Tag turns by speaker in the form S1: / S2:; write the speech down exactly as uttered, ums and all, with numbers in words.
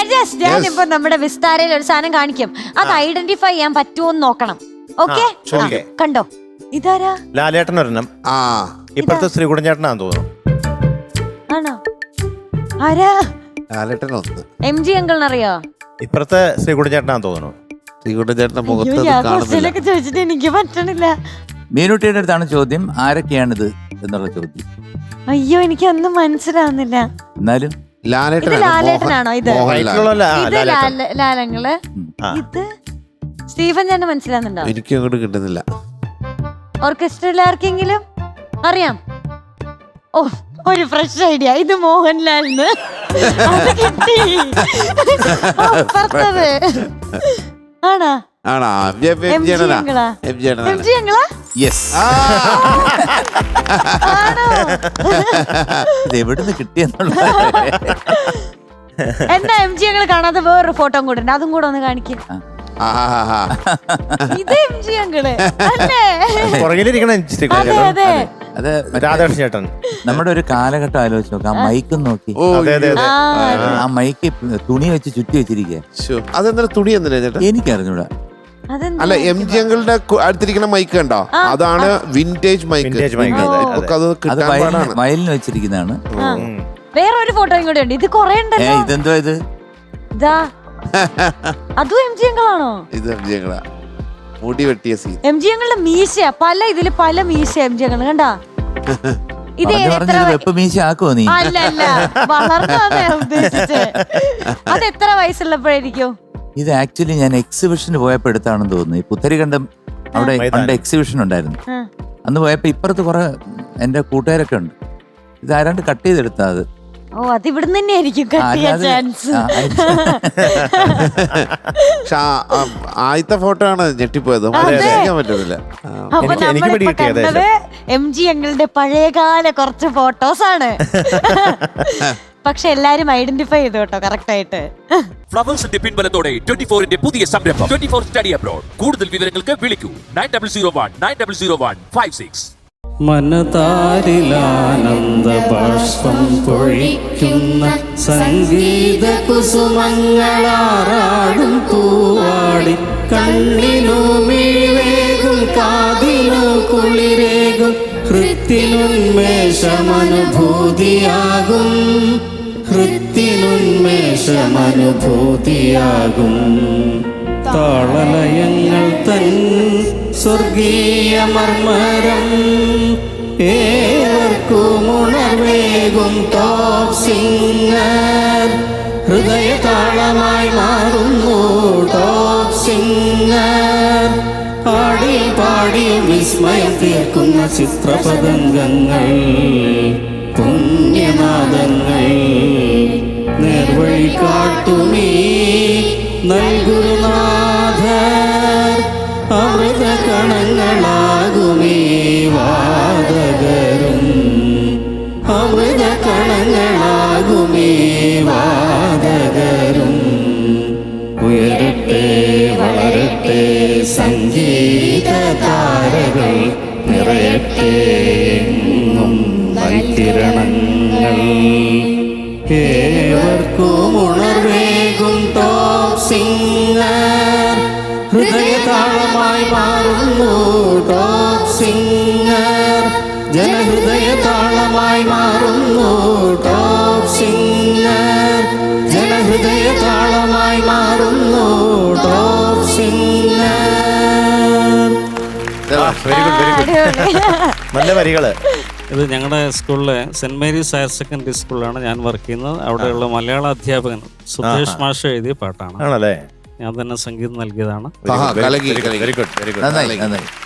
S1: Judges ഞാനിപ്പോ നമ്മുടെ വിസ്താരയിൽ ഒരു സാധനം കാണിക്കും, അത് ഐഡന്റിഫൈ ചെയ്യാൻ പറ്റുമോന്ന് നോക്കണം. ഓക്കെ, കണ്ടോ? ഇതാരാ?
S2: ലാലേട്ടൻ ഒരെണ്ണം. ആ ഇപ്പഴത്തെ ശ്രീകുടൻ ചേട്ടനാന്ന് തോന്നുന്നു.
S1: ആണോ? ആരാ?
S3: ലാലേട്ടൻ ഒന്ന്.
S1: എം ജി അങ്കിളിനറിയോ?
S2: ഇപ്പഴത്തെ ശ്രീകുടൻ ചേട്ടനാന്ന് തോന്നുന്നു.
S3: ശ്രീകുടൻ ചേട്ടന്റെ മുഖത്ത്
S1: ചോദിച്ചിട്ട് എനിക്ക് പറ്റണില്ല.
S4: മീനുട്ടിയുടെ അടുത്താണ് ചോദ്യം, ആരൊക്കെയാണിത് എന്നുള്ള ചോദ്യം.
S1: അയ്യോ, എനിക്ക് ഒന്നും മനസ്സിലാവുന്നില്ല.
S4: എന്നാലും
S1: ലാലേട്ടനാണോ ഇത്? ഇത് ലാലങ്ങള്. ഇത് സ്റ്റീഫൻ ചേട്ടന് മനസ്സിലാവുന്നുണ്ടോ?
S3: എനിക്ക് അങ്ങോട്ട് കിട്ടുന്നില്ല.
S1: ഓർക്കസ്ട്രയിൽ ആർക്കെങ്കിലും അറിയാം? ഓ, ഒരു ഫ്രഷ് ഐഡിയ. ഇത് മോഹൻലാലിന് കിട്ടി. ആണോ?
S3: ആണോ?
S4: ഇത് എവിടുന്ന് കിട്ടിയെന്നുള്ള
S1: എന്താ എം ജി ഞങ്ങള് കാണാതെ വേറൊരു ഫോട്ടോ കൂടെ ഉണ്ട്, അതും കൂടെ ഒന്ന് കാണിക്കും. ഇത് എം ജി ഞങ്ങള് അല്ലേ?
S4: അത്
S2: രാധാകൃഷ്ണൻ ചേട്ടൻ.
S4: നമ്മുടെ ഒരു കാലഘട്ടം ആലോചിച്ച് നോക്കാം. ആ മൈക്കും നോക്കി, ആ മൈക്ക് തുണി വെച്ച് ചുറ്റി വെച്ചിരിക്കുക.
S3: അതെന്താ തുണി എന്തിനാ ചേട്ടാ?
S4: എനിക്കറിഞ്ഞൂടാ.
S3: അല്ല, എം ജി അങ്കിളുടെ അടുത്തിരിക്കുന്ന മൈക്ക് കണ്ടോ? അതാണ് വിന്റേജ് മൈക്ക്.
S4: അത് വയലിന് വെച്ചിരിക്കുന്നതാണ്.
S1: വേറൊരു ഫോട്ടോയും കൂടെ ഉണ്ട്. ഇത് കൊറേ ഉണ്ടല്ലോ.
S4: ഇതെന്തോ ഇത്?
S1: ഇതാ അതും എം ജി അങ്കിളാണോ?
S3: ഇത് എം ജി അങ്കിളാ. മുടി വെട്ടിയ സീൻ.
S1: എം ജി അങ്കിളുടെ മീശ പല ഇതില് പല മീശ എം ജി അങ്കിൾ കണ്ടാ? ഇത്
S4: മീശ ആക്കുവോ നീ?
S1: അല്ല അല്ല, വളർന്നാണ് ഉദ്ദേശിച്ചത്. അത് എത്ര വയസ്സുള്ളപ്പോഴായിരിക്കും?
S4: ഇത് ആക്ച്വലി ഞാൻ എക്സിബിഷന് പോയപ്പോ എടുത്താണെന്ന് തോന്നുന്നു. ഈ പുത്തരികണ്ടം അവിടെ പണ്ട് എക്സിബിഷൻ ഉണ്ടായിരുന്നു. അന്ന് പോയപ്പോ ഇപ്പുറത്ത് കുറെ എന്റെ കൂട്ടുകാരൊക്കെ ഉണ്ട്. ഇത് ആരാണ്ട് കട്ട് ചെയ്തെടുത്താ അത്.
S1: ഓ, അത് ഇവിടുന്ന് തന്നെ ആയിരിക്കും കട്ട് ചെയ്യാൻ ചാൻസ്.
S3: ആദ്യത്തെ ഫോട്ടോ ആണ് ഞെട്ടിപ്പോയത്. പറ്റുന്നില്ല.
S1: അപ്പൊ നമ്മളിപ്പോ കണ്ടത് എം ജി അങ്കിളുടെ പഴയകാല കുറച്ച് ഫോട്ടോസ് ആണ്. പക്ഷെ എല്ലാരും ഐഡന്റിഫൈ ചെയ്തു കേട്ടോ കറക്റ്റ് ആയിട്ട്.
S5: ഫ്ലവേഴ്സിന്റെ പിൻബലത്തോടെ ട്വന്റി ഫോറിന്റെ പുതിയ സംരംഭം ട്വന്റി ഫോർ സ്റ്റഡി അബ്രോഡ്. കൂടുതൽ വിവരങ്ങൾക്ക് വിളിക്കൂ nine double zero one nine double zero one five six.
S6: മനതാരിലാനന്ദ ബാഷ്പം പൊഴിക്കുന്ന സംഗീത കുസുമങ്ങളാറാടും പൂവാടി കണ്ണിനു മിഴിവേകും കാതിനു കുളിരേകും ഹൃത്തിനുന്മേഷമനുഭൂതിയാകും ഹൃത്തിനുന്മേഷമനുഭൂതിയാകും താളലയങ്ങൾ തൻ സ്വർഗീയ മർമരം ഏവർക്കും ഉണർവേകും ടോപ് സിംഗർ ഹൃദയ താളമായി മാറുന്നു ടോപ് സിംഗർ പാടി പാടി വിസ്മയം തീർക്കുന്ന ചിത്രപതംഗങ്ങൾ പുണ്യനാദങ്ങൾ നേർവഴി കാട്ടുമീ നൽകുനാഥർ അമൃത കണങ്ങളാകുമേ വാദകരും അമൃത കണങ്ങളാകുമേ വാദകരും ഉയരട്ടെ വളരട്ടെ സംഗീത താരകൾ നിറയട്ടെ എങ്ങും നൈത്തിരണങ്ങൾ ഏവർക്കും ഉണർവേകും ടോപ് സിംഗർ ഹൃദയതാളമായി മാറുന്നു ടോപ് സിംഗർ ജനഹൃദയതാളമായി മാറുന്നു ടോപ് സിംഗർ ജനഹൃദയതാളമായി മാറുന്നു ടോപ് സിംഗർ.
S2: നല്ല വരികള്.
S6: ഇത് ഞങ്ങളുടെ സ്കൂളിലെ സെന്റ് മേരീസ് ഹയർ സെക്കൻഡറി സ്കൂളിലാണ് ഞാൻ വർക്ക് ചെയ്യുന്നത്. അവിടെയുള്ള മലയാള അധ്യാപകൻ സുധേഷ് മാഷ് എഴുതിയ പാട്ടാണ്.
S2: ആണല്ലേ?
S6: ഞാൻ തന്നെ സംഗീതം നൽകിയതാണ്.
S2: Very good very good.
S4: നന്നായി നന്നായി.